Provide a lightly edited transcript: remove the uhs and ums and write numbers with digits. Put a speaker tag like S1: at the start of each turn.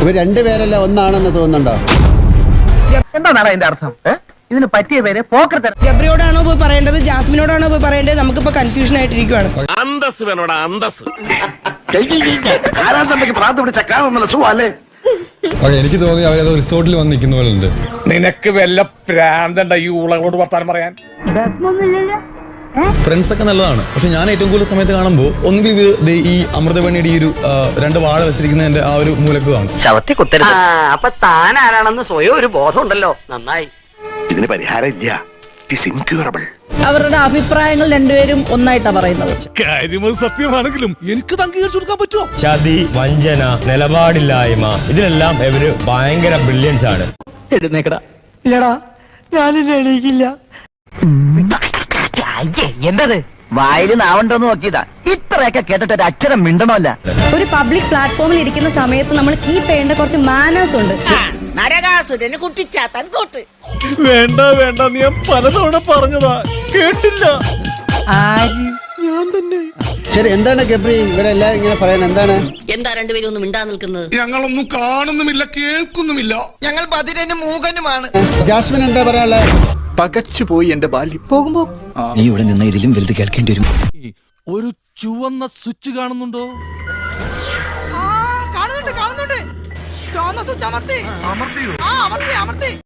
S1: ഇവർ രണ്ടുപേരല്ല ഒന്നാണെന്ന് തോന്നുന്നുണ്ടോ?
S2: എന്താണ് അതിന്റെ അർത്ഥം? ഇതിന് പറ്റിയ പേര് പോക്കർ.
S3: ഗബ്രിയോടാണോ പോയി പറയേണ്ടത്, ജാസ്മിനോടാണോ പോയി പറയേണ്ടത്? നമുക്കിപ്പോ കൺഫ്യൂഷൻ ആയിട്ടിരിക്കുവാണ്.
S4: അന്തസ് വേണോടാ, അന്തസ്.
S5: എനിക്ക് തോന്നി അവരത് റിസോർട്ടിൽ വന്ന് നിൽക്കുന്ന പോലെ ഉണ്ട്.
S4: നിനക്ക് വല്ല പ്രാന്തണ്ട ഈ ഊളകളോട് വർത്താനം പറയാൻ?
S5: ഫ്രണ്ട്സ് ഒക്കെ നല്ലതാണ്, പക്ഷെ ഞാൻ ഏറ്റവും കൂടുതൽ സമയത്ത് കാണുമ്പോൾ ഒന്നുകിൽ ഇത് ഈ അമൃതവേണിയുടെ ഈ ഒരു 2 വാഴ വെച്ചിരിക്കുന്നതിന്റെ ആ ഒരു മൂലക്ക് കാണും.
S2: ചവത്തി കുത്തരുത്. അപ്പൊ താൻ ആരാണെന്ന് സ്വയം ഒരു ബോധം ഉണ്ടല്ലോ. നന്നായി.
S4: ഇതിന് പരിഹാരം ഇല്ല. It's incurable.
S3: അവരുടെ അഭിപ്രായങ്ങൾ രണ്ടുപേരും ഒന്നായിട്ടാ പറയുന്നത്.
S4: കാര്യം സത്യമാണെങ്കിലും എനിക്ക് അംഗീകരിച്ചു കൊടുക്കാൻ പറ്റുമോ?
S6: ചതി, വഞ്ചന, നിലപാടില്ലായ്മ, ഇതിലെല്ലാം ഇവര് ഭയങ്കര ബ്രില്യൻസ് ആണ്.
S2: എഴുന്നേക്കടാ. ഇല്ലടാ, ഞാനില്ല, എണീക്കില്ല. എന്തത് വായില് നാവണ്ടോന്ന് നോക്കിയതാ. ഇത്രയൊക്കെ കേട്ടിട്ട് ഒരു അക്ഷരം മിണ്ടണമല്ല.
S3: ഒരു പബ്ലിക് പ്ലാറ്റ്ഫോമിൽ ഇരിക്കുന്ന സമയത്ത് നമ്മൾ കീപ്പ് ചെയ്യേണ്ട കുറച്ച് മാനേഴ്സ് ഉണ്ട്.
S4: വേണ്ട വേണ്ട, നീ ഞാൻ പലതവണ പറഞ്ഞതാ, കേട്ടില്ല. ഞാൻ തന്നെ.
S1: ശരി, എന്താണ് ഗബ്രി ഇവരെല്ലാം ഇങ്ങനെ പറയാൻ? എന്താണ്
S7: രണ്ടുപേരും ഒന്നും മിണ്ടാ നിൽക്കുന്നത്?
S4: ഞങ്ങളൊന്നും കാണുന്നുമില്ല, കേൾക്കുന്നുമില്ല.
S8: ഞങ്ങൾ ബധിരനും മൂകനുമാണ്.
S1: ജാസ്മിൻ എന്താ പറയാനുള്ളത്?
S4: പകച്ചുപോയി എന്റെ ബാല്യം.
S3: പോകുമ്പോ
S6: നീ ഇവിടെ നിന്ന് ഇതിലും വലുത് കേൾക്കേണ്ടി വരും.
S4: ഒരു ചുവന്ന സ്വിച്ച് കാണുന്നുണ്ടോ?
S8: കാണുന്നുണ്ട്. ചുവന്ന സ്വിച്ച് അമർത്തി.